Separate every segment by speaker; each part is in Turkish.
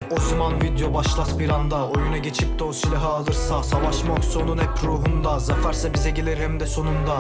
Speaker 1: O zaman video başlas bir anda. Oyuna geçip de o silahı alırsa, savaşmak sonun hep ruhunda. Zaferse bize gelir hem de sonunda.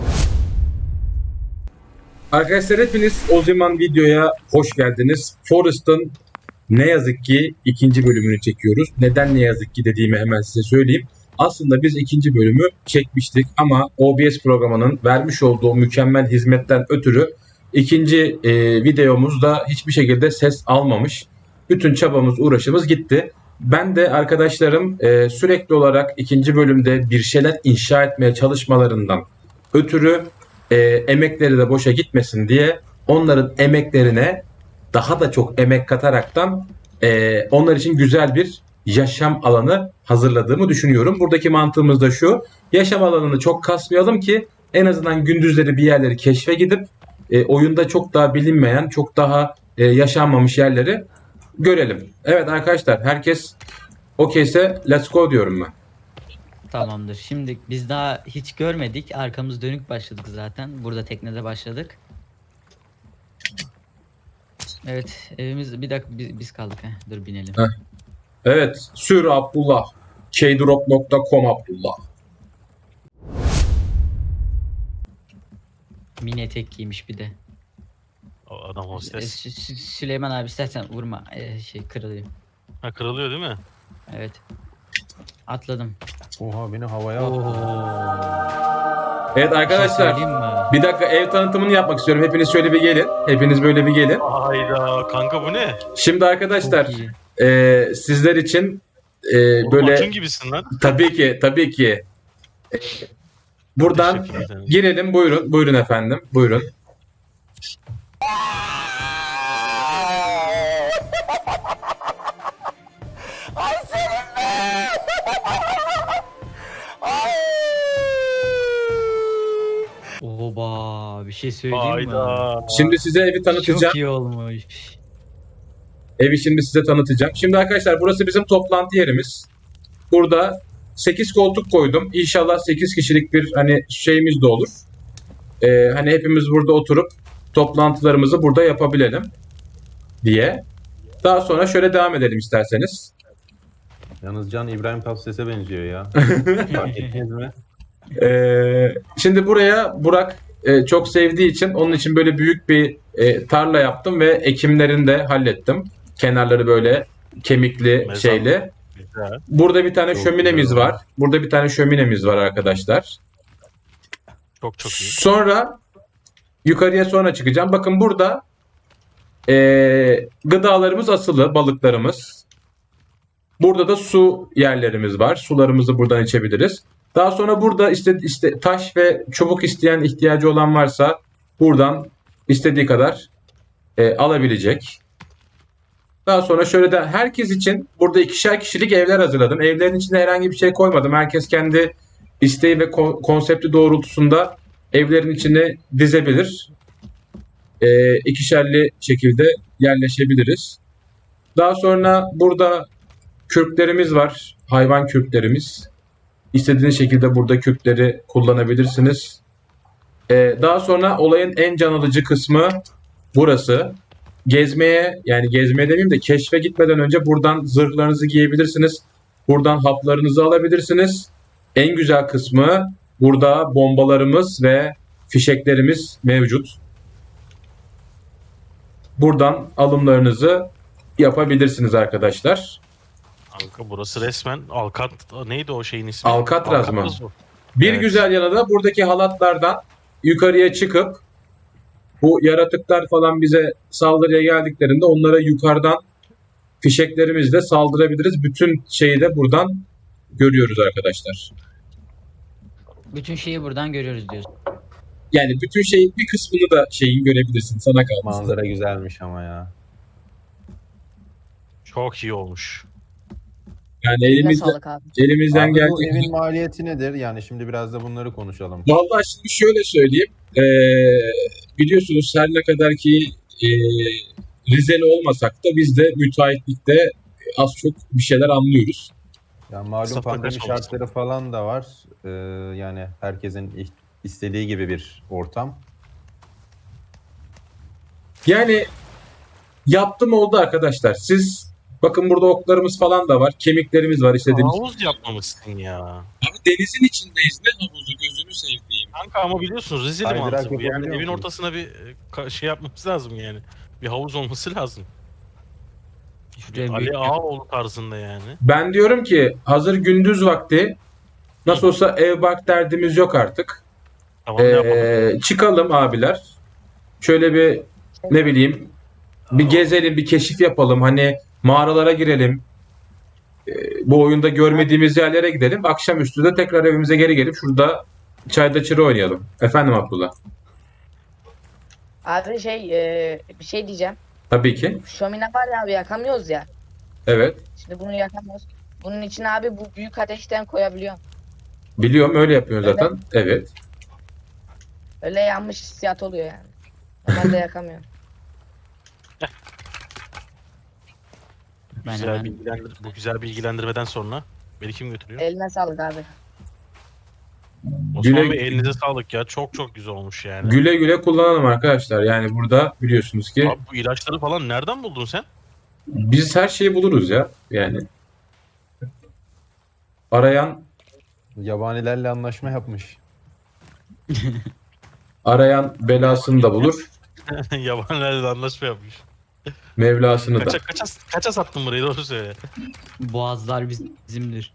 Speaker 2: Arkadaşlar hepiniz o zaman videoya hoş geldiniz. Forest'ın ne yazık ki ikinci bölümünü çekiyoruz. Neden ne yazık ki dediğimi hemen size söyleyeyim. Aslında biz ikinci bölümü çekmiştik ama OBS programının vermiş olduğu mükemmel hizmetten ötürü ikinci videomuzda hiçbir şekilde ses almamış. Bütün çabamız, uğraşımız gitti. Ben de arkadaşlarım sürekli olarak ikinci bölümde bir şeyler inşa etmeye çalışmalarından ötürü emekleri de boşa gitmesin diye onların emeklerine daha da çok emek kataraktan onlar için güzel bir yaşam alanı hazırladığımı düşünüyorum. Buradaki mantığımız da şu: yaşam alanını çok kasmayalım ki en azından gündüzleri bir yerleri keşfe gidip oyunda çok daha bilinmeyen, çok daha yaşanmamış yerleri görelim. Evet arkadaşlar, herkes okeyse let's go diyorum ben.
Speaker 3: Tamamdır. Şimdi biz daha hiç görmedik. Arkamız dönük başladık zaten. Burada teknede başladık. Evet, evimiz bir dakika biz kaldık. Dur binelim.
Speaker 2: Heh. Evet, sür Abdullah. Keydrop.com Abdullah.
Speaker 3: Mini etek giymiş bir de.
Speaker 4: O adam hostes.
Speaker 3: Süleyman abi istersen vurma. Kırılıyor.
Speaker 4: Ha, kırılıyor değil mi?
Speaker 3: Evet. Atladım.
Speaker 5: Oha, beni havaya attı.
Speaker 2: Evet arkadaşlar,
Speaker 3: Söyleyeyim mi?
Speaker 2: bir dakika ev tanıtımını yapmak istiyorum. Hepiniz şöyle bir gelin. Hepiniz böyle bir gelin.
Speaker 4: Hayda kanka, bu ne?
Speaker 2: Şimdi arkadaşlar,
Speaker 3: Çok iyi.
Speaker 2: sizler için
Speaker 4: Oğlum,
Speaker 2: böyle
Speaker 4: Acun gibisin lan.
Speaker 2: tabii ki buradan
Speaker 4: Teşekkür ederim.
Speaker 2: girelim. Buyurun efendim. Buyurun.
Speaker 3: Oba, bir şey söyleyeyim mi?
Speaker 4: Hayda.
Speaker 2: Şimdi size evi tanıtacağım.
Speaker 3: Çok iyi olmuş.
Speaker 2: Evi şimdi size tanıtacağım. Şimdi arkadaşlar, burası bizim toplantı yerimiz. Burada 8 koltuk koydum. İnşallah 8 kişilik bir hani şeyimiz de olur. Hani hepimiz burada oturup toplantılarımızı burada yapabilelim diye. Daha sonra şöyle devam edelim isterseniz.
Speaker 5: Yalnız Can İbrahim Tatlıses'e benziyor ya. Fark ettiniz mi?
Speaker 2: Şimdi buraya Burak çok sevdiği için onun için böyle büyük bir tarla yaptım ve ekimlerini de hallettim. Kenarları böyle kemikli
Speaker 4: Mezar.
Speaker 2: şeyli.
Speaker 4: Güzel.
Speaker 2: Burada bir tane
Speaker 5: Çok
Speaker 2: şöminemiz
Speaker 5: güzel.
Speaker 2: var. Burada bir tane şöminemiz var arkadaşlar.
Speaker 4: Çok iyi.
Speaker 2: Sonra yukarıya sonra çıkacağım. Bakın burada gıdalarımız asılı, balıklarımız. Burada da su yerlerimiz var. Sularımızı buradan içebiliriz. Daha sonra burada işte taş ve çubuk isteyen, ihtiyacı olan varsa buradan istediği kadar alabilecek. Daha sonra şöyle de herkes için burada 2'şer kişilik evler hazırladım. Evlerin içine herhangi bir şey koymadım. Herkes kendi isteği ve konsepti doğrultusunda evlerin içine dizebilir. 2'şerli şekilde yerleşebiliriz. Daha sonra burada kürklerimiz var. Hayvan kürklerimiz. İstediğiniz şekilde burada kürkleri kullanabilirsiniz. Daha sonra olayın en can alıcı kısmı burası. Gezmeye demeyeyim de keşfe gitmeden önce buradan zırhlarınızı giyebilirsiniz. Buradan haplarınızı alabilirsiniz. En güzel kısmı, burada bombalarımız ve fişeklerimiz mevcut. Buradan alımlarınızı yapabilirsiniz arkadaşlar.
Speaker 4: Kanka burası resmen neydi o şeyin ismi?
Speaker 2: Alcatraz mı?
Speaker 4: o.
Speaker 2: Bir
Speaker 4: Evet.
Speaker 2: güzel yanı da buradaki halatlardan yukarıya çıkıp bu yaratıklar falan bize saldırıya geldiklerinde onlara yukarıdan fişeklerimizle saldırabiliriz. Bütün şeyi de buradan görüyoruz arkadaşlar.
Speaker 3: Bütün şeyi buradan görüyoruz diyorsun.
Speaker 2: Yani bütün şeyin bir kısmını da şeyin görebilirsin. Sana kalmış.
Speaker 5: Manzara güzelmiş ama ya.
Speaker 4: Çok iyi olmuş.
Speaker 2: Yani
Speaker 6: Eline sağlık abi.
Speaker 2: elimizden
Speaker 5: Abi bu
Speaker 2: geldiği
Speaker 5: evin maliyeti nedir? Yani şimdi biraz da bunları konuşalım.
Speaker 2: Vallahi şimdi şöyle söyleyeyim. Biliyorsunuz her ne kadar ki Rizeli olmasak da biz de müteahhitlikte az çok bir şeyler anlıyoruz.
Speaker 5: Yani malum
Speaker 4: Mustafa
Speaker 5: pandemi
Speaker 4: kaç
Speaker 5: şartları falan da var. Yani herkesin istediği gibi bir ortam.
Speaker 2: Yani yaptım oldu arkadaşlar. Siz Bakın burada oklarımız falan da var. Kemiklerimiz var istediğimiz.
Speaker 4: Havuz yapmamışsın ya.
Speaker 2: Abi denizin içindeyiz. Ne havuzu gözünü sevdiğim.
Speaker 4: Kanka ama biliyorsun rezil
Speaker 5: Kaydırak
Speaker 4: mantığı bu. Yani
Speaker 5: yapabiliyor
Speaker 4: evin
Speaker 5: musunuz?
Speaker 4: ortasına bir şey yapmamız lazım yani. Bir havuz olması lazım.
Speaker 3: Şuraya
Speaker 4: Ali
Speaker 3: büyük
Speaker 4: Ağaoğlu tarzında yani.
Speaker 2: Ben diyorum ki hazır gündüz vakti nasıl olsa ev bark derdimiz yok artık.
Speaker 4: Tamam ne yapalım?
Speaker 2: Çıkalım abiler. Şöyle bir ne bileyim bir gezelim, bir keşif yapalım. Hani mağaralara girelim. Bu oyunda görmediğimiz yerlere gidelim. Akşamüstü de tekrar evimize geri gelip şurada çayda çıra oynayalım. Efendim Abdullah.
Speaker 6: Abi bir şey diyeceğim.
Speaker 2: Tabii ki.
Speaker 6: Şömine var ya abi yakamıyoruz ya.
Speaker 2: Evet.
Speaker 6: Şimdi bunu yakamıyoruz. Bunun için abi bu büyük ateşten koyabiliyorum.
Speaker 2: Biliyorum öyle yapıyorsun zaten. Evet.
Speaker 6: Öyle yanmış hissiyat oluyor yani. Normalde yakamıyorum.
Speaker 3: Ben
Speaker 4: Güzel
Speaker 3: hemen
Speaker 4: bu güzel bilgilendirmeden sonra beni kim götürüyor?
Speaker 6: Eline sağlık abi.
Speaker 4: Osman
Speaker 2: Güle-
Speaker 4: Bey elinize sağlık ya. Çok çok güzel olmuş yani.
Speaker 2: Güle güle kullanalım arkadaşlar. Yani burada biliyorsunuz ki
Speaker 4: Abi bu ilaçları falan nereden buldun sen?
Speaker 2: biz her şeyi buluruz ya. Yani arayan
Speaker 5: Yabanilerle anlaşma yapmış.
Speaker 2: belasını da bulur.
Speaker 4: Yabanilerle anlaşma yapmış.
Speaker 2: Mevlasını da.
Speaker 4: Kaça sattın burayı doğru söyle.
Speaker 3: boğazlar bizimdir.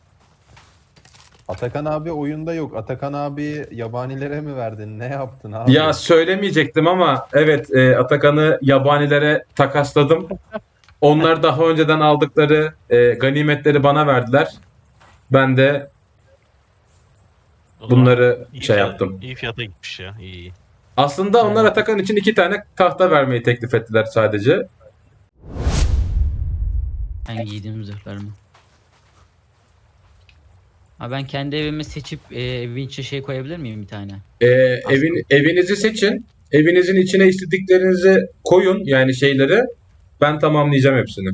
Speaker 5: Atakan abi oyunda yok. Atakan abi yabanilere mi verdin? Ne yaptın abi?
Speaker 2: Ya söylemeyecektim ama evet Atakan'ı yabanilere takasladım. Onlar daha önceden aldıkları ganimetleri bana verdiler. Ben de
Speaker 4: O zaman
Speaker 2: bunları
Speaker 4: iyi
Speaker 2: şey
Speaker 4: fiyat-
Speaker 2: yaptım.
Speaker 4: İyi fiyata gitmiş ya. İyi.
Speaker 2: Aslında onlar Atakan için 2 tane tahta vermeyi teklif ettiler sadece.
Speaker 3: Ben giydiğim zırhlarımı. Ha ben kendi evimi seçip evin içine şey koyabilir miyim bir tane?
Speaker 2: Evinizi seçin. Evinizin içine istediklerinizi koyun yani şeyleri. Ben tamamlayacağım hepsini.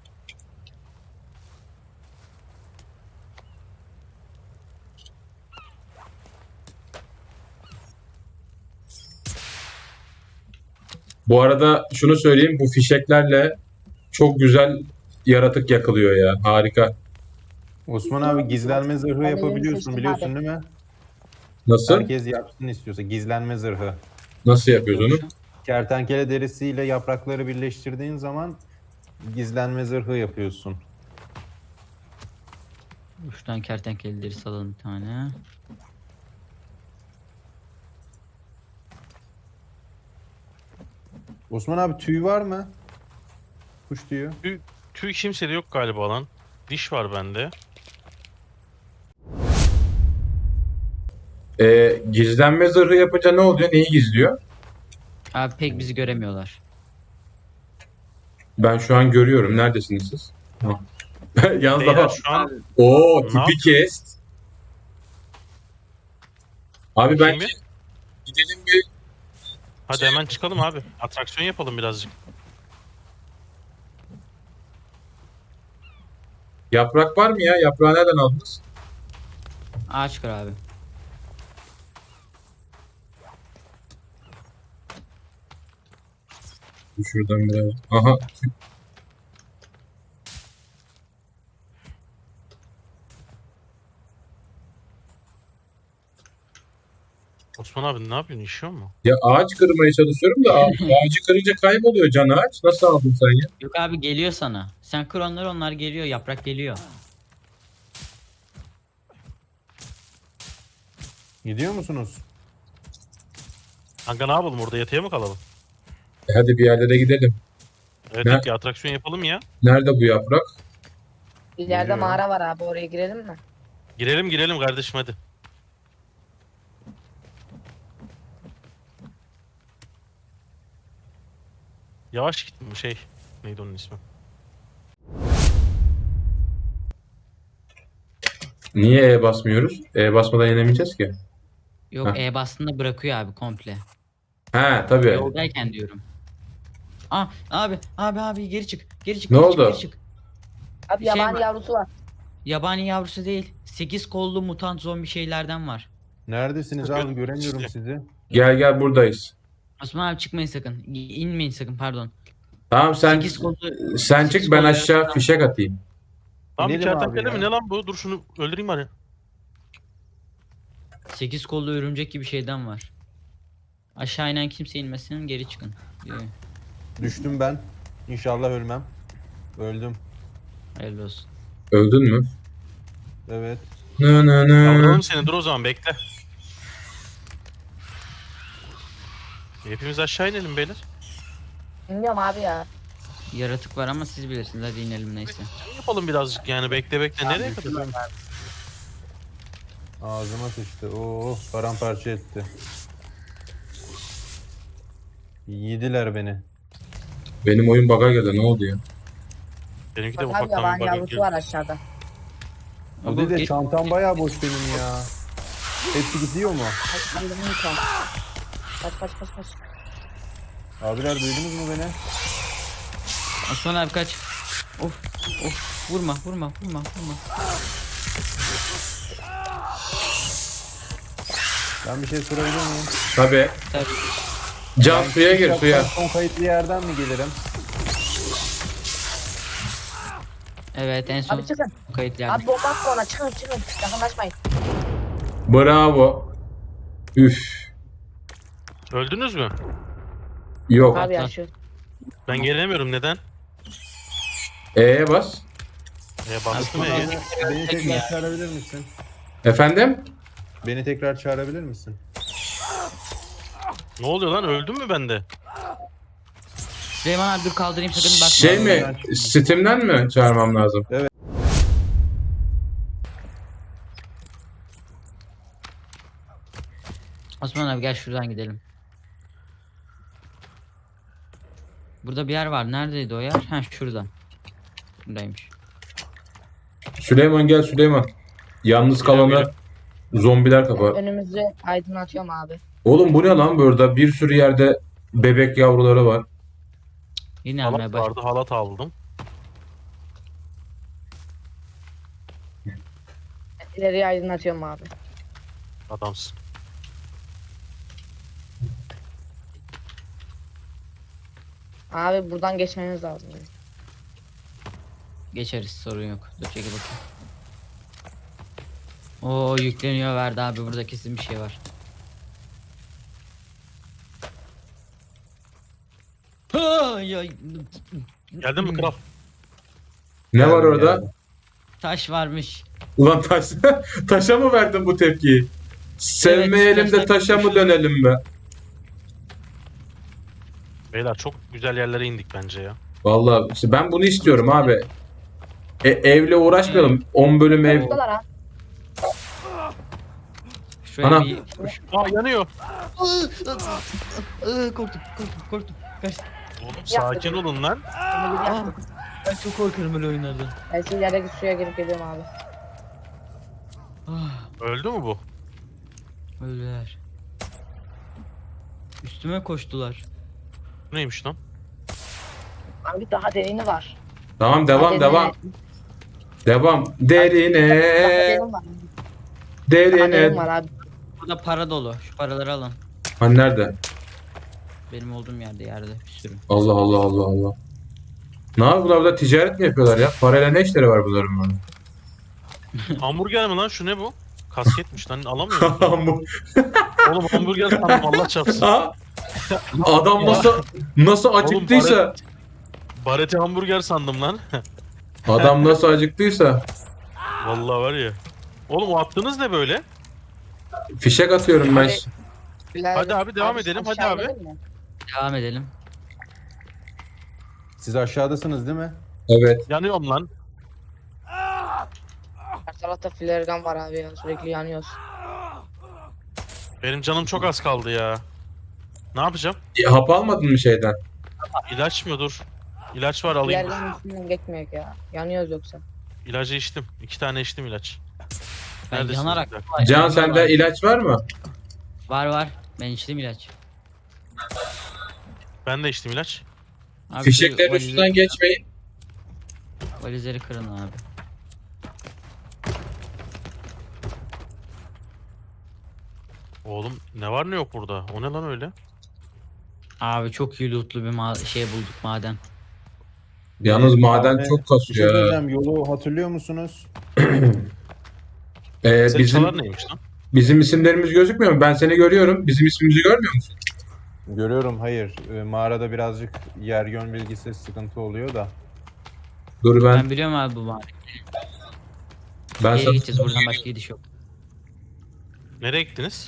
Speaker 2: Bu arada şunu söyleyeyim, bu fişeklerle çok güzel yaratık yakılıyor ya. Harika.
Speaker 5: Osman abi gizlenme zırhı
Speaker 6: Ben
Speaker 5: yapabiliyorsun
Speaker 6: seçtim
Speaker 5: biliyorsun
Speaker 6: abi.
Speaker 5: değil mi?
Speaker 2: Nasıl?
Speaker 5: Herkes yapsın istiyorsa gizlenme zırhı.
Speaker 2: Nasıl yapıyoruz onu?
Speaker 5: Kertenkele derisiyle yaprakları birleştirdiğin zaman gizlenme zırhı yapıyorsun.
Speaker 3: Şuradan kertenkeleleri salalım bir tane.
Speaker 5: Osman abi tüy var mı? Kuş tüyü.
Speaker 4: Tüy kimsede yok galiba lan. Diş var bende.
Speaker 2: Gizlenme zırhı yapınca ne oluyor? Neyi gizliyor?
Speaker 3: Abi pek bizi göremiyorlar.
Speaker 2: Ben şu an görüyorum. Neredesiniz siz? Ha. Yalnız
Speaker 4: Beyler
Speaker 2: daha...
Speaker 4: şu an
Speaker 2: Oo,
Speaker 4: Ne
Speaker 2: tipi kes. Abi
Speaker 4: Bakayım
Speaker 2: bence
Speaker 4: bir.
Speaker 2: gidelim bir...
Speaker 4: Hadi hemen çıkalım abi. Atraksiyon yapalım birazcık.
Speaker 2: Yaprak var mı ya? Yaprağı nereden aldınız?
Speaker 3: Ağaç kır abi.
Speaker 2: Şuradan biraz. Aha.
Speaker 4: Osman abi ne yapıyorsun? İşiyor mu?
Speaker 2: Ya ağaç kırmaya çalışıyorum da ağacı kırınca kayboluyor can ağaç. Nasıl aldın sen ya?
Speaker 3: Yok abi geliyor sana. Sen kır onları onlar geliyor. Yaprak geliyor.
Speaker 5: Gidiyor musunuz?
Speaker 4: Kanka ne yapalım orada yatıya mı kalalım?
Speaker 2: Hadi bir yerlere gidelim.
Speaker 4: Evet
Speaker 2: Ne?
Speaker 4: yok ya atraksiyon yapalım ya.
Speaker 2: Nerede bu yaprak?
Speaker 6: İleride
Speaker 5: Biliyorum.
Speaker 6: mağara var abi oraya girelim mi?
Speaker 4: Girelim kardeşim hadi. Yavaş git bu şey. Neydi onun ismi?
Speaker 2: Niye E basmıyoruz? E basmadan yenemeyeceğiz ki.
Speaker 3: Yok
Speaker 2: Heh.
Speaker 3: bastığında bırakıyor abi komple.
Speaker 2: He tabii.
Speaker 3: Yoldayken diyorum. Abi geri çık. Geri çık.
Speaker 2: Ne
Speaker 3: geri çık,
Speaker 2: oldu?
Speaker 3: geri çık.
Speaker 6: Abi
Speaker 3: Bir şey
Speaker 6: yabani
Speaker 3: var.
Speaker 6: yavrusu var.
Speaker 3: Yabani yavrusu değil. 8 kollu mutant zombi şeylerden var.
Speaker 5: Neredesiniz abi? Göremiyorum sizi.
Speaker 2: Gel buradayız.
Speaker 3: Osman abi çıkmayın sakın. İnmeyin sakın pardon.
Speaker 2: Tamam sen
Speaker 3: 8 kollu
Speaker 2: sen çık
Speaker 3: sekiz
Speaker 2: ben
Speaker 3: kollu
Speaker 2: aşağı fişek atayım.
Speaker 4: Lan bir
Speaker 5: İnelim abi
Speaker 4: kertenkele
Speaker 5: ya.
Speaker 4: mi ne lan bu? Dur şunu öldüreyim bari.
Speaker 3: 8 kollu örümcek gibi şeyden var. Aşağı inen kimse inmesin, geri çıkın. diyor.
Speaker 5: Düştüm ben. İnşallah ölmem. Öldüm.
Speaker 3: Hayırlı olsun.
Speaker 2: Öldün mü?
Speaker 5: Evet.
Speaker 2: Nı nı nı.
Speaker 4: Kaldıralım seni dur o zaman bekle. Hepimiz aşağı inelim beyler.
Speaker 6: Bilmiyorum abi ya.
Speaker 3: Yaratık var ama siz bilirsiniz. Hadi inelim neyse.
Speaker 4: Yapalım birazcık yani bekle bekle nereye kadar?
Speaker 5: Ağzıma sıçtı. Oo, paramparça etti. Yediler beni.
Speaker 2: Benim oyun bug'a geldi ne oldu ya?
Speaker 4: Benimki de
Speaker 6: Bak abi
Speaker 4: ufaktan
Speaker 6: yaban
Speaker 4: bir
Speaker 6: yavrusu
Speaker 4: bakayım.
Speaker 6: var aşağıda.
Speaker 5: Bir de
Speaker 3: Geç-
Speaker 5: çantam bayağı boş benim ya. Hepsi gidiyor mu?
Speaker 6: Kaç kaldırımı yıkan. Kaç.
Speaker 5: Abiler duydunuz mu beni?
Speaker 3: Osman abi kaç. Of vurma.
Speaker 5: Ben bir şey sorabilir miyim?
Speaker 2: Tabii.
Speaker 3: Tabii.
Speaker 2: Can suya gir suya.
Speaker 5: Son kayıtlı yerden mi gelirim?
Speaker 3: Evet en son
Speaker 6: Abi çıkın.
Speaker 3: kayıt geldi.
Speaker 6: Abi bomba atma ona. Çıkın. Yakınlaşmayın.
Speaker 2: Bravo. Üf.
Speaker 4: Öldünüz mü?
Speaker 2: Yok.
Speaker 6: Abi ya
Speaker 3: Atla.
Speaker 6: şu.
Speaker 4: Ben gelemiyorum neden?
Speaker 2: E'ye bas.
Speaker 4: Bastım
Speaker 3: Abi,
Speaker 4: E'ye.
Speaker 5: Beni tekrar çağırabilir misin?
Speaker 2: Efendim?
Speaker 5: Beni tekrar çağırabilir misin?
Speaker 4: Ne oluyor lan öldüm mü ben de?
Speaker 3: Süleyman abi dur kaldırayım sakın bakma.
Speaker 2: Şey mi? Steam'den mi çağırmam lazım?
Speaker 3: Osman abi gel şuradan gidelim. Burada bir yer var. Neredeydi o yer? Ha şurada. Buradaymış.
Speaker 2: Süleyman gel Süleyman. Yalnız kalanı zombiler kapar.
Speaker 6: Önümüzü aydınlatıyorum abi.
Speaker 2: Oğlum bu ne lan burada? Bir sürü yerde bebek yavruları var.
Speaker 3: Yine almaya
Speaker 4: Halat
Speaker 3: baş.
Speaker 4: vardı halat aldım.
Speaker 6: İleriyi aydınlatıyorum abi.
Speaker 4: Adamsın.
Speaker 6: Abi buradan geçmemiz lazım.
Speaker 3: Geçeriz sorun yok. Dur çekil bakayım. Oo yükleniyor verdi abi burada kesin bir şey var. Ha, ya,
Speaker 4: Geldin mi kral?
Speaker 2: Ne var
Speaker 5: Geldim,
Speaker 2: orada?
Speaker 5: geldim.
Speaker 3: taş varmış.
Speaker 2: Ulan taşa mı verdin bu tepkiyi? Sevmeyelim de
Speaker 3: taşlar-
Speaker 2: taşa mı dönelim be?
Speaker 4: Beyler çok güzel yerlere indik bence ya.
Speaker 2: Vallahi işte ben bunu istiyorum abi. Evle uğraşmayalım. 10 bölüm ev.
Speaker 6: Buradalar ha.
Speaker 3: Şuraya
Speaker 2: Ana.
Speaker 3: bir...
Speaker 4: Aa yanıyor.
Speaker 3: Korktum. Kaç.
Speaker 4: Oğlum sakin olun lan.
Speaker 6: Bunu bir yaptım.
Speaker 3: Ben çok korkarım böyle oyunlardan.
Speaker 6: Ben şimdi yerdeki suya girip geliyorum abi.
Speaker 4: Öldü mü bu?
Speaker 3: Öldüler. Üstüme koştular.
Speaker 4: Bu neymiş lan?
Speaker 6: Abi daha derini var.
Speaker 2: Tamam
Speaker 6: Daha
Speaker 2: devam.
Speaker 6: Daha
Speaker 2: Derine.
Speaker 6: derin var. Daha derin
Speaker 2: Derine.
Speaker 6: var abi.
Speaker 3: Burada para dolu. Şu paraları alın.
Speaker 2: Ha nerede?
Speaker 3: Benim olduğum yerde bir sürü.
Speaker 2: Allah. Ne yapıyorlar burada ticaret mi yapıyorlar ya? Parayla ne işleri var bunların böyle?
Speaker 4: Hamburger mi lan şu ne bu? Kasketmiş lan alamıyorum.
Speaker 2: Bu-
Speaker 4: Oğlum hamburger sandım Allah çarpsın.
Speaker 2: Ha? Adam nasıl acıktıysa,
Speaker 4: Barete hamburger sandım lan.
Speaker 2: adam nasıl acıktıysa
Speaker 4: Vallahi var ya. Oğlum o attığınız ne böyle?
Speaker 2: fişek atıyorum ben.
Speaker 4: Hadi abi, devam edelim, hadi
Speaker 6: aşağı
Speaker 4: abi.
Speaker 6: inelim mi?
Speaker 3: Devam edelim.
Speaker 5: Siz aşağıdasınız değil mi?
Speaker 2: Evet.
Speaker 4: Yanıyorum lan.
Speaker 6: Her tarafta flare gun var abi ya. Sürekli yanıyoruz.
Speaker 4: Benim canım çok az kaldı ya. Ne yapacağım?
Speaker 2: Hap almadın mı şeyden?
Speaker 4: İlaç mı dur? İlaç var alayım.
Speaker 6: Flare gun üstünden geçmiyor ya. Yanıyoruz yoksa.
Speaker 4: İlacı içtim. 2 tane içtim ilaç.
Speaker 3: Ben
Speaker 4: Neredesiniz?
Speaker 3: yanarak.
Speaker 4: Bir dakika.
Speaker 2: Can sende ilaç var mı?
Speaker 3: Var. Ben içtim ilaç.
Speaker 4: Ben de içtim ilaç.
Speaker 3: Abi
Speaker 2: Fişeklerin
Speaker 3: şu
Speaker 2: üstünden geçmeyin.
Speaker 3: valizleri kırın abi.
Speaker 4: Oğlum ne var ne yok burada? O ne lan öyle?
Speaker 3: Abi çok iyi lootlu bir şey bulduk maden.
Speaker 2: Yalnız maden
Speaker 5: Abi,
Speaker 2: çok
Speaker 5: bir şey
Speaker 2: kasıyor. ya.
Speaker 5: söyleyeceğim. Yolu hatırlıyor musunuz?
Speaker 4: Senin
Speaker 2: Bizim
Speaker 4: çalar neymiş lan?
Speaker 2: bizim isimlerimiz gözükmüyor mu? Ben seni görüyorum. Bizim ismimizi görmüyor musun?
Speaker 5: Görüyorum, hayır. Mağarada birazcık yer yön bilgisi sıkıntı oluyor da.
Speaker 2: Dur
Speaker 3: Ben
Speaker 2: ben
Speaker 3: biliyorum abi bu mağarayı.
Speaker 2: ben
Speaker 3: Nereye
Speaker 2: sana
Speaker 3: gideceğiz buradan başka gidiş yok.
Speaker 4: Nereye gittiniz?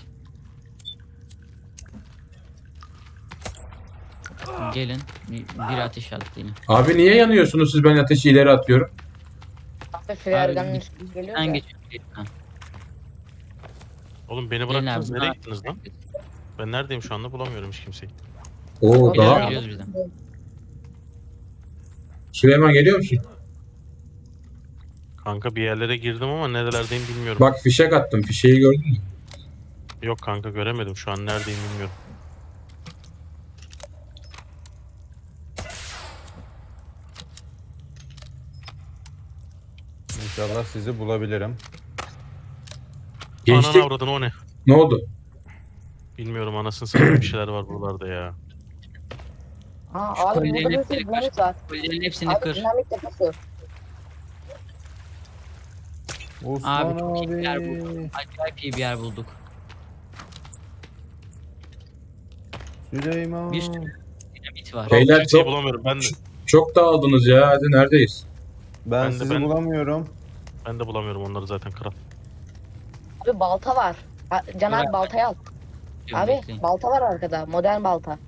Speaker 3: Gelin bir ateş attı yine.
Speaker 2: Abi niye yanıyorsunuz siz? Ben ateşi ileri atıyorum.
Speaker 6: Abi Freyergan'ın
Speaker 3: Abi,
Speaker 6: üstüne geliyor
Speaker 3: Sen
Speaker 6: da.
Speaker 3: geç. Ha,
Speaker 4: Oğlum beni
Speaker 3: gelin
Speaker 4: bıraktınız.
Speaker 3: abi,
Speaker 4: Nereye
Speaker 3: buna-
Speaker 4: gittiniz lan? Ben neredeyim şu anda bulamıyorum hiç kimseyi.
Speaker 2: Oo
Speaker 6: Abi,
Speaker 2: daha.
Speaker 3: Geliyoruz bizden.
Speaker 2: Süleyman geliyor musun?
Speaker 4: Kanka bir yerlere girdim ama nerelerdeyim bilmiyorum.
Speaker 2: Bak fişek attım. Fişeği gördün mü?
Speaker 4: Yok kanka göremedim şu an neredeyim bilmiyorum.
Speaker 5: İnşallah sizi bulabilirim.
Speaker 2: Geçtik.
Speaker 4: Ananı avradın o ne?
Speaker 2: Ne oldu?
Speaker 4: Bilmiyorum anasını satayım bir şeyler var buralarda ya.
Speaker 6: Ha
Speaker 3: Şu
Speaker 6: abi
Speaker 3: kolyenin
Speaker 6: burada bir
Speaker 3: hepsini
Speaker 6: sürü dinamit var.
Speaker 3: Kolyerin hepsini
Speaker 6: Abi
Speaker 3: kır.
Speaker 6: dinamit deposu.
Speaker 5: Osman
Speaker 3: Abi çok iyi bir yer
Speaker 5: abi.
Speaker 3: bulduk. Acayip iyi bir yer bulduk.
Speaker 5: Süleyman.
Speaker 3: Bir sürü dinamit var.
Speaker 2: Beyler
Speaker 4: Kimseyi
Speaker 2: çok
Speaker 4: bulamıyorum ben de.
Speaker 2: çok dağıldınız ya. Hadi neredeyiz?
Speaker 5: Ben
Speaker 4: Ben de-
Speaker 5: sizi
Speaker 4: ben-
Speaker 5: bulamıyorum.
Speaker 4: Ben de bulamıyorum onları zaten kral.
Speaker 6: Abi balta var. Can abi
Speaker 3: Bırak.
Speaker 6: baltayı al. Abi
Speaker 3: Bekleyin.
Speaker 6: balta var arkada. Modern balta.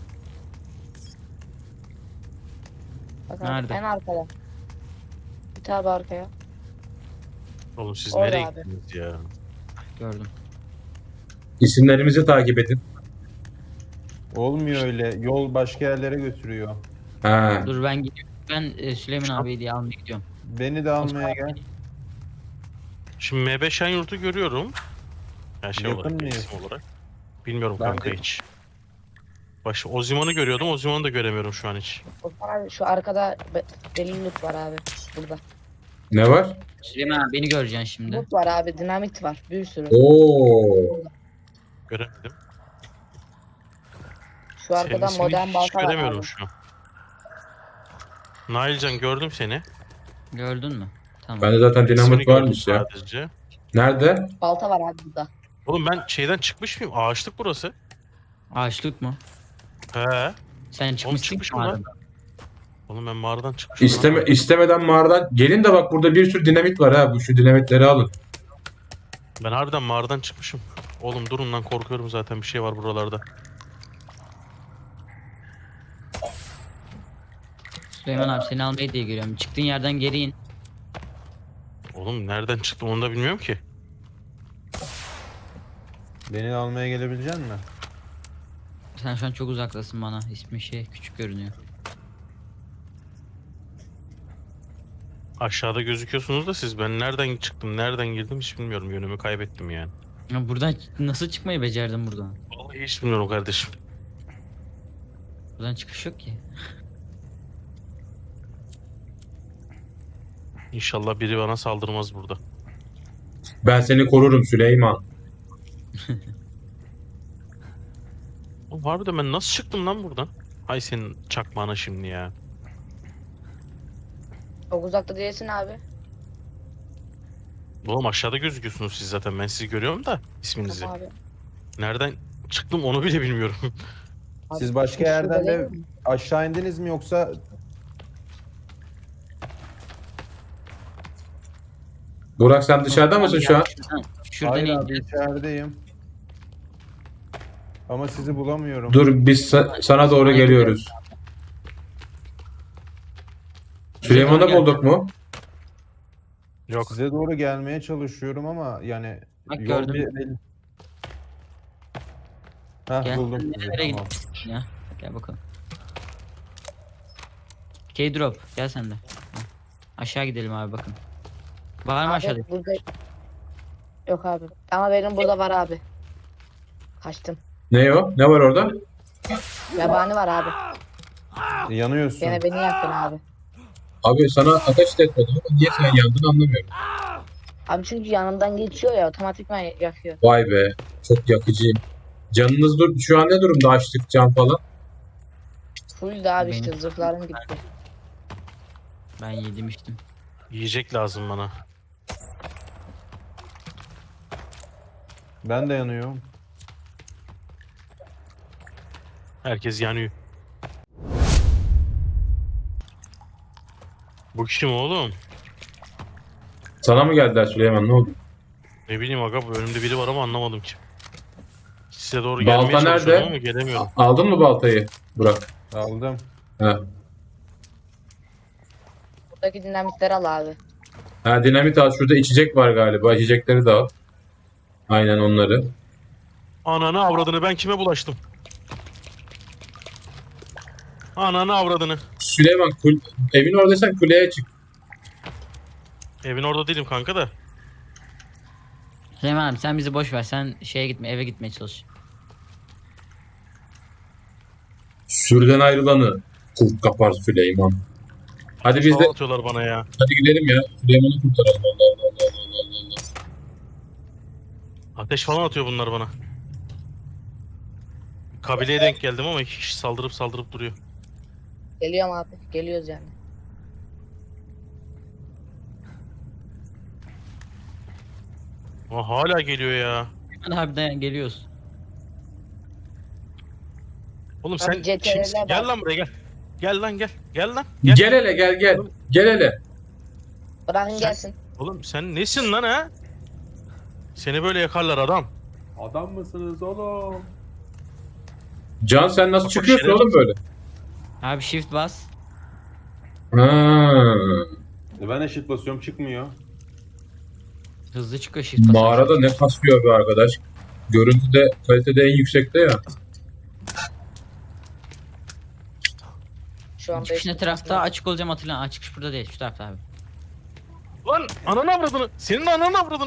Speaker 6: Bak abi,
Speaker 3: Nerede?
Speaker 6: en arkada. Bir abi arkaya.
Speaker 4: Oğlum siz
Speaker 6: Orada
Speaker 4: nereye
Speaker 6: abi.
Speaker 4: gittiniz ya?
Speaker 3: Gördüm.
Speaker 2: İsimlerimizi takip edin.
Speaker 5: Olmuyor öyle. Yol başka yerlere götürüyor.
Speaker 2: Ha.
Speaker 3: Dur ben gidiyorum. Ben Süleyman abiyi diye almaya gidiyorum.
Speaker 5: Beni de almaya gel.
Speaker 4: Şimdi M5 Şenyurt'u görüyorum. Her şey
Speaker 5: Yakın
Speaker 4: olarak,
Speaker 5: mıyız?
Speaker 4: isim olarak. Bilmiyorum
Speaker 5: Ben
Speaker 4: kanka
Speaker 5: de-
Speaker 4: hiç. Oziman'ı görüyordum. Oziman'ı da göremiyorum şu an hiç.
Speaker 6: Osman abi şu arkada deli loot var abi. Burada.
Speaker 2: Ne var?
Speaker 3: Süleyman abi beni göreceksin şimdi.
Speaker 6: Loot var abi. Dinamit var. Bir sürü.
Speaker 2: Oo.
Speaker 4: Göremedim.
Speaker 6: Şu arkada
Speaker 4: Senin ismini
Speaker 6: modern
Speaker 4: hiç
Speaker 6: balta var
Speaker 4: göremiyorum
Speaker 6: abi.
Speaker 4: şu an. Nailcan gördüm seni.
Speaker 3: Gördün mü? Tamam.
Speaker 2: Bende zaten dinamit
Speaker 4: İsmini gördüm
Speaker 2: varmış ya.
Speaker 4: sadece.
Speaker 2: Nerede?
Speaker 6: Balta var abi burada.
Speaker 4: Oğlum ben şeyden çıkmış mıyım? Ağaçlık burası.
Speaker 3: Ağaçlık mı?
Speaker 4: He.
Speaker 3: Sen çıkmışsın
Speaker 4: çıkmışım
Speaker 3: mı
Speaker 4: lan.
Speaker 3: aradan?
Speaker 4: Oğlum ben mağaradan çıkmışım.
Speaker 2: İstemeden mağaradan. Gelin de bak burada bir sürü dinamit var ha. Bu şu dinamitleri alın.
Speaker 4: Ben harbiden mağaradan çıkmışım. Oğlum durun lan korkuyorum zaten bir şey var buralarda.
Speaker 3: Süleyman abi seni almaya diye geliyorum. Çıktığın yerden geri in.
Speaker 4: Oğlum nereden çıktım onu da bilmiyorum ki.
Speaker 5: Beni almaya gelebilecek misin?
Speaker 3: Sen şu an çok uzaktasın bana. İsmi küçük görünüyor.
Speaker 4: Aşağıda gözüküyorsunuz da siz ben nereden çıktım nereden girdim hiç bilmiyorum yönümü kaybettim yani.
Speaker 3: Ya buradan nasıl çıkmayı becerdin buradan?
Speaker 4: Vallahi hiç bilmiyorum kardeşim.
Speaker 3: Buradan çıkış yok ki.
Speaker 4: İnşallah biri bana saldırmaz burada.
Speaker 2: Ben seni korurum Süleyman.
Speaker 4: Oğlum harbiden ben nasıl çıktım lan buradan? Hay senin çakmağına şimdi ya.
Speaker 6: Çok uzakta değilsin abi.
Speaker 4: Oğlum aşağıda gözüküyorsunuz siz zaten ben sizi görüyorum da isminizi.
Speaker 6: Tamam abi.
Speaker 4: Nereden çıktım onu bile bilmiyorum.
Speaker 6: Abi,
Speaker 5: Siz başka
Speaker 6: şurada
Speaker 5: yerden
Speaker 6: değil
Speaker 5: de
Speaker 6: mi?
Speaker 5: aşağı indiniz mi yoksa
Speaker 2: Burak sen dışarıda mısın şu an?
Speaker 3: Şuradan
Speaker 5: hayır
Speaker 3: in.
Speaker 5: abi içerideyim. Ama sizi bulamıyorum.
Speaker 2: Dur biz sana doğru geliyoruz. Süleyman'ı bulduk mu?
Speaker 4: Yok.
Speaker 5: Size doğru gelmeye çalışıyorum ama yani
Speaker 3: Bak
Speaker 5: yol
Speaker 3: gördüm.
Speaker 5: belli. Heh,
Speaker 3: Gel.
Speaker 5: buldum sizi,
Speaker 3: Nereye
Speaker 5: tamam.
Speaker 3: gidiyorsun ya? Gel bakalım. K-drop gel sen de. Heh. Aşağı gidelim abi bakın. Var mı
Speaker 6: Abi,
Speaker 3: aşağıda?
Speaker 6: burada... Yok abi. Ama benim burada var abi. Kaçtım.
Speaker 2: Ne o? Ne var orada?
Speaker 6: Yabani var abi.
Speaker 5: Yanıyorsun.
Speaker 6: Gene beni yaktın abi.
Speaker 2: Abi sana ateş de etmedim ama niye sen yandın anlamıyorum.
Speaker 6: Abi çünkü yanımdan geçiyor ya otomatikman yakıyor.
Speaker 2: Vay be. Çok yakıcıyım. Canınız şu an ne durumda açlık can falan?
Speaker 6: Full de abi
Speaker 3: Benim-
Speaker 6: işte zırhlarım gitti.
Speaker 3: Ben yedim içtim.
Speaker 4: Yiyecek lazım bana.
Speaker 5: Ben de yanıyorum.
Speaker 4: Herkes yanıyor. Bu kim oğlum?
Speaker 2: Sana mı geldiler Süleyman, ne oldu?
Speaker 4: Ne bileyim aga, bu önümde biri var ama anlamadım kim. Size doğru
Speaker 2: Balta
Speaker 4: gelmeye çalışıyorum
Speaker 2: nerede?
Speaker 4: ama gelemiyorum.
Speaker 2: Aldın mı baltayı Burak?
Speaker 5: Aldım.
Speaker 2: Ha.
Speaker 6: Buradaki dinamitleri al abi.
Speaker 2: Ha, dinamit al, şurada içecek var galiba. İçecekleri de al. Aynen onları.
Speaker 4: Ananı avradını, ben kime bulaştım? Ananı avradını.
Speaker 2: Süleyman evin oradaysan kuleye çık.
Speaker 4: Evin orada değilim kanka da.
Speaker 3: Süleyman abi sen bizi boş ver. Sen şeye gitme, eve gitmeye çalış.
Speaker 2: Sürüden ayrılanı kurt kapar Süleyman. Hadi biz de
Speaker 4: Hava atıyorlar bana ya.
Speaker 2: hadi gidelim ya. Süleyman'ı kurtaralım. Allah Allah Allah Allah Allah.
Speaker 4: Ateş falan atıyor bunlar bana. Kabileye denk geldim ama iki kişi saldırıp duruyor.
Speaker 6: Geliyorum abi. Geliyoruz yani.
Speaker 4: Ama hala geliyor ya.
Speaker 3: Hadi abi dayan geliyoruz.
Speaker 4: Oğlum sen
Speaker 6: CTRL 'e
Speaker 4: kimsin?
Speaker 6: bak.
Speaker 4: Gel lan buraya gel. Gel lan gel. Gel lan. Gel.
Speaker 2: Gel hele gel gel. Gel hele.
Speaker 6: Bırakın gelsin.
Speaker 4: Oğlum sen nesin lan ha? Seni böyle yakarlar adam.
Speaker 5: Adam mısınız oğlum?
Speaker 2: Can sen nasıl
Speaker 4: Bak,
Speaker 2: çıkıyorsun
Speaker 4: şeref.
Speaker 2: oğlum böyle?
Speaker 3: Abi shift bas.
Speaker 2: Ha.
Speaker 5: Ben eşit basıyorum çıkmıyor.
Speaker 3: Hızlı çıkıyor shift bas.
Speaker 2: Mağarada ne kasıyor be arkadaş. Görüntüde kalitede en yüksekte ya.
Speaker 6: Şu an
Speaker 3: Çıkış ne
Speaker 6: 5
Speaker 3: tarafta? Açık olacağım hatırlan. Aa, çıkış burada değil, şu tarafta abi.
Speaker 4: Lan ananı avradını. Senin ananı avradını.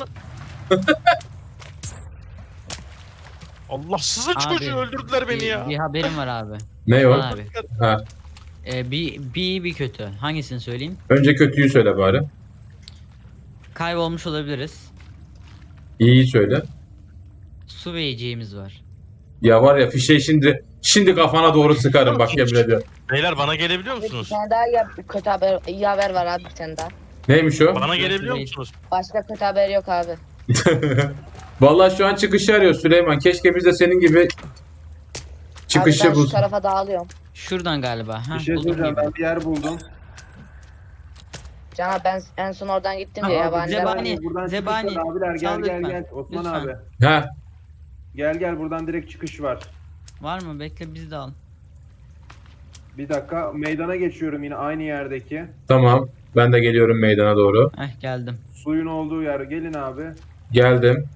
Speaker 4: Allahsızın
Speaker 3: Abi,
Speaker 4: çocuğu öldürdüler beni ya.
Speaker 3: Bir haberim var abi.
Speaker 2: Ne o?
Speaker 3: Osman abi.
Speaker 2: Ha.
Speaker 3: Bir kötü. Hangisini söyleyeyim?
Speaker 2: Önce kötüyü söyle bari.
Speaker 3: Kaybolmuş olabiliriz.
Speaker 2: İyiyi söyle.
Speaker 3: Su ve yiyeceğimiz var.
Speaker 2: Ya var ya fişeği şimdi kafana doğru sıkarım bak yemin ediyorum.
Speaker 4: Beyler bana gelebiliyor
Speaker 6: Bir
Speaker 4: musunuz?
Speaker 6: tane daha kötü haber, iyi haber var abi bir tane daha.
Speaker 2: Neymiş o?
Speaker 4: Bana gelebiliyor musunuz?
Speaker 6: Başka kötü haber yok abi.
Speaker 2: Vallahi şu an çıkışı arıyor Süleyman. Keşke biz de senin gibi
Speaker 6: Abi
Speaker 2: çıkışı
Speaker 6: ben şu
Speaker 2: bulsak.
Speaker 6: tarafa dağılıyorum.
Speaker 3: Şuradan galiba. Ha,
Speaker 5: Bir şey
Speaker 3: buldum
Speaker 5: söyleyeceğim,
Speaker 3: gibi.
Speaker 5: ben bir yer buldum.
Speaker 6: Can abi ben en son oradan gittim
Speaker 3: Ha,
Speaker 6: ya
Speaker 3: abi,
Speaker 6: yabaniler var.
Speaker 3: Zebani.
Speaker 5: Buradan
Speaker 3: Zebani.
Speaker 5: çıkış var abiler, gel
Speaker 3: Sal
Speaker 5: gel
Speaker 3: lütfen.
Speaker 5: gel. Osman
Speaker 3: Lütfen.
Speaker 5: abi.
Speaker 2: Ha,
Speaker 5: Gel buradan direkt çıkış var.
Speaker 3: Var mı? Bekle bizi de al.
Speaker 5: Bir dakika, meydana geçiyorum yine aynı yerdeki.
Speaker 2: tamam. Ben de geliyorum meydana doğru.
Speaker 3: Geldim.
Speaker 5: Suyun olduğu yer, gelin abi.
Speaker 2: Geldim.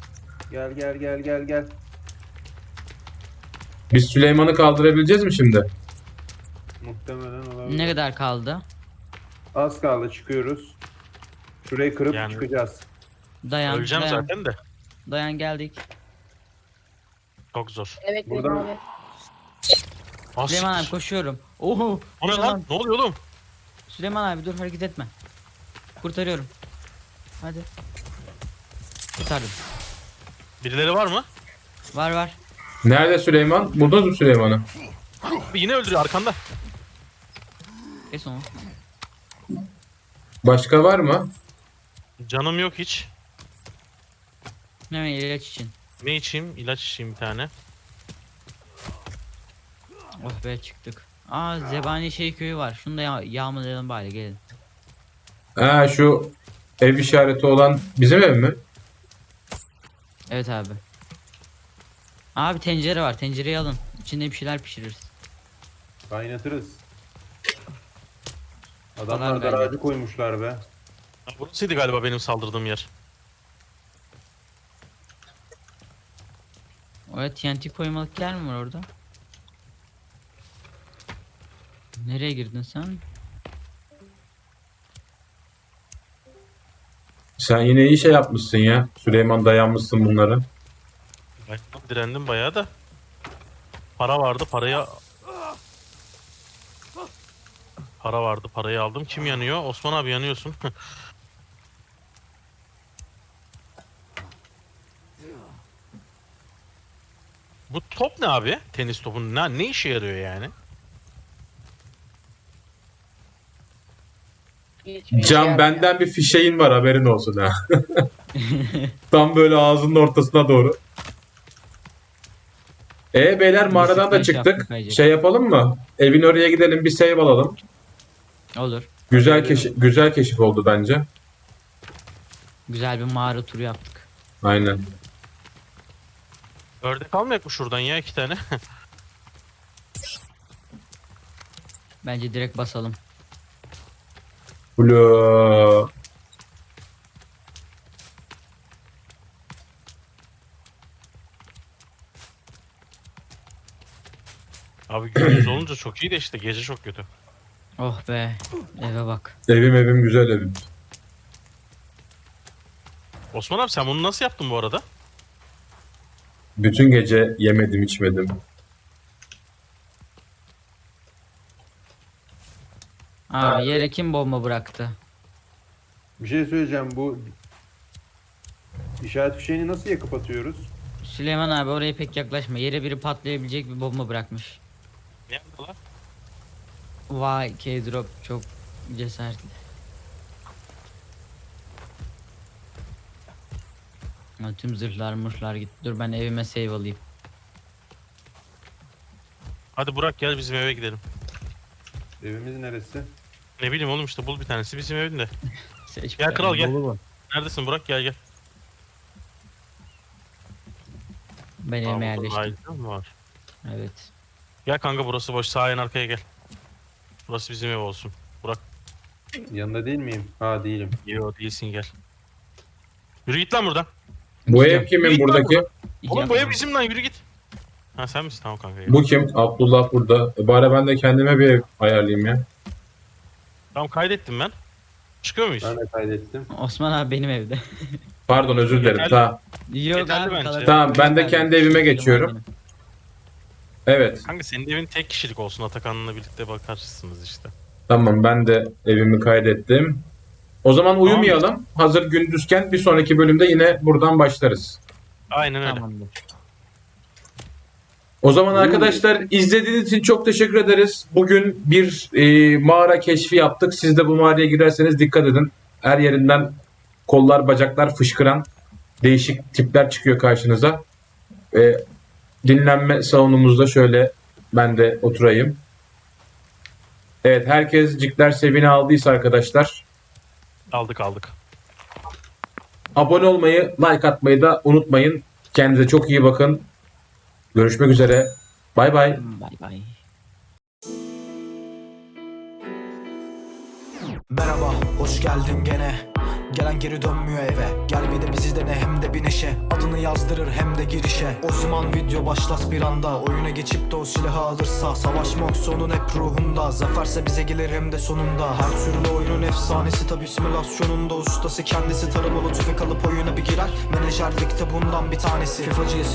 Speaker 5: Gel.
Speaker 2: Biz Süleyman'ı kaldırabileceğiz mi şimdi?
Speaker 5: Muhtemelen olabilir.
Speaker 3: Ne kadar kaldı?
Speaker 5: Az kaldı, çıkıyoruz. Şurayı kırıp
Speaker 4: Yani-
Speaker 5: çıkacağız.
Speaker 3: Dayan.
Speaker 4: Öleceğim
Speaker 3: dayan.
Speaker 4: zaten de.
Speaker 3: Dayan geldik.
Speaker 4: Çok zor.
Speaker 6: Evet
Speaker 5: Buradan-
Speaker 6: abi.
Speaker 4: Ah,
Speaker 3: Süleyman abi
Speaker 4: siktir.
Speaker 3: koşuyorum. Oho.
Speaker 4: O ne lan?
Speaker 3: Süleyman,
Speaker 4: Ne oluyor oğlum?
Speaker 3: Süleyman abi dur hareket etme. Kurtarıyorum. Hadi. Kurtardım.
Speaker 4: Birileri var mı?
Speaker 3: Var.
Speaker 2: Nerede Süleyman? Buldunuz mu Süleyman'ı?
Speaker 4: Yine öldürüyor arkanda.
Speaker 3: Kes onu.
Speaker 2: Başka var mı?
Speaker 4: Canım yok hiç.
Speaker 3: Hemen ilaç için.
Speaker 4: Ne içeyim? İlaç içeyim bir tane.
Speaker 3: Oh be çıktık. Aa Zebani köyü var. Şunu da yağmalayalım bari gelin.
Speaker 2: Ha, şu ev işareti olan bizim ev mi?
Speaker 3: Evet abi. Abi tencere var. Tencereyi alın. İçinde bir şeyler pişiririz.
Speaker 5: Kaynatırız.
Speaker 3: Falan
Speaker 5: Adamlar
Speaker 3: bence.
Speaker 5: daracı koymuşlar be.
Speaker 4: Ha, burasıydı galiba benim saldırdığım yer.
Speaker 3: Oraya TNT koymalık yer mi var orada? Nereye girdin sen?
Speaker 2: Sen yine iyi şey yapmışsın ya. Süleyman dayanmışsın bunları.
Speaker 4: Ben direndim bayağı da. Para vardı, Para vardı, parayı aldım. Kim yanıyor? Osman abi yanıyorsun. Bu top ne abi? Tenis topu ne işe yarıyor yani?
Speaker 6: Hiçbir işe
Speaker 2: Can
Speaker 6: yaramıyor.
Speaker 2: benden bir fişeğin var, haberin olsun ha. Tam böyle ağzının ortasına doğru. Beyler mağaradan da
Speaker 3: Sıkma şey
Speaker 2: çıktık.
Speaker 3: yaptık ayrıca.
Speaker 2: Şey yapalım mı? Evin oraya gidelim, bir save alalım.
Speaker 3: Olur.
Speaker 2: Güzel keşif oldu bence.
Speaker 3: Güzel bir mağara turu yaptık.
Speaker 2: Aynen.
Speaker 4: Ördek almayak mı şuradan ya 2 tane?
Speaker 3: Bence direkt basalım.
Speaker 2: Ula.
Speaker 4: Abi gündüz olunca çok iyi de işte gece çok kötü.
Speaker 3: Oh be. Eve bak.
Speaker 2: Evim güzel evim.
Speaker 4: Osman abi sen bunu nasıl yaptın bu arada?
Speaker 2: Bütün gece yemedim içmedim.
Speaker 3: Abi yere kim bomba bıraktı?
Speaker 5: Bir şey söyleyeceğim. Bu işaret fişeğini nasıl yakıp atıyoruz?
Speaker 3: Süleyman abi oraya pek yaklaşma. Yere biri patlayabilecek bir bomba bırakmış.
Speaker 4: Nerede lan?
Speaker 3: Vay K-Drop çok cesaretli. Ya, tüm zırhlar mırhlar gitti. Dur ben evime save alayım.
Speaker 4: Hadi Burak gel bizim eve gidelim.
Speaker 5: Evimiz neresi?
Speaker 4: Ne bileyim oğlum işte bul bir tanesi bizim evinde.
Speaker 3: Seç
Speaker 4: Gel
Speaker 3: bir
Speaker 4: kral
Speaker 3: tane.
Speaker 4: gel. Neredesin Burak gel gel.
Speaker 3: Ben
Speaker 4: Aa,
Speaker 3: evime
Speaker 4: burada
Speaker 3: yerleştim.
Speaker 4: aile mi var?
Speaker 3: Evet.
Speaker 4: Gel kanka burası boş sağ en arkaya gel. Burası bizim ev olsun. Burak
Speaker 5: Yanında değil miyim? Ha değilim.
Speaker 4: yo değilsin gel. Yürü git lan buradan.
Speaker 2: Bu
Speaker 3: Gidiyorum.
Speaker 2: ev kimin
Speaker 4: Git lan
Speaker 2: buradaki?
Speaker 4: Oğlum bu ev bizim lan yürü git. Ha sen misin tamam kanka gel.
Speaker 2: Bu kim? Abdullah burada. Bari ben de kendime bir ev ayarlayayım ya.
Speaker 4: Tamam kaydettim ben. Çıkıyor muyuz?
Speaker 5: Ben de kaydettim.
Speaker 3: Osman abi benim evde.
Speaker 2: Pardon, özür dilerim.
Speaker 4: Yeterli.
Speaker 2: Tamam.
Speaker 3: Yok
Speaker 4: Yeterli
Speaker 3: abi
Speaker 4: bence.
Speaker 3: kalır.
Speaker 2: Tamam, ben de
Speaker 3: Yeterli.
Speaker 2: kendi evime
Speaker 3: Benim
Speaker 2: geçiyorum.
Speaker 3: benim.
Speaker 2: Evet.
Speaker 4: Kanka senin evin tek kişilik olsun Atakan'la birlikte bakarsınız işte.
Speaker 2: Tamam, ben de evimi kaydettim. O zaman uyumayalım. Hazır gündüzken bir sonraki bölümde yine buradan başlarız.
Speaker 4: Aynen öyle.
Speaker 3: Tamamdır.
Speaker 2: O zaman arkadaşlar izlediğiniz için çok teşekkür ederiz. Bugün bir mağara keşfi yaptık. Siz de bu mağaraya girerseniz dikkat edin. Her yerinden kollar, bacaklar fışkıran değişik tipler çıkıyor karşınıza. Dinlenme salonumuzda şöyle ben de oturayım. Evet, herkes Cikler Sevin'i aldıysa arkadaşlar
Speaker 4: Aldık.
Speaker 2: abone olmayı, like atmayı da unutmayın. Kendinize çok iyi bakın. Görüşmek üzere. Bay bay.
Speaker 3: Bay bay.
Speaker 1: Merhaba, hoş geldin gene. Gelen geri dönmüyor eve. Gel bir de bizi dene hem de bir neşe. Adını yazdırır hem de girişe. O zaman video başlas bir anda. Oyuna geçip de o silahı alırsa. Savaşmak sonun hep ruhunda. Zaferse bize gelir hem de sonunda. Her türlü oyunun efsanesi tabi simülasyonunda. Ustası kendisi taramalı tüfek alıp oyuna bir girer. Menajerlikte bundan bir tanesi. FIFA'cıyız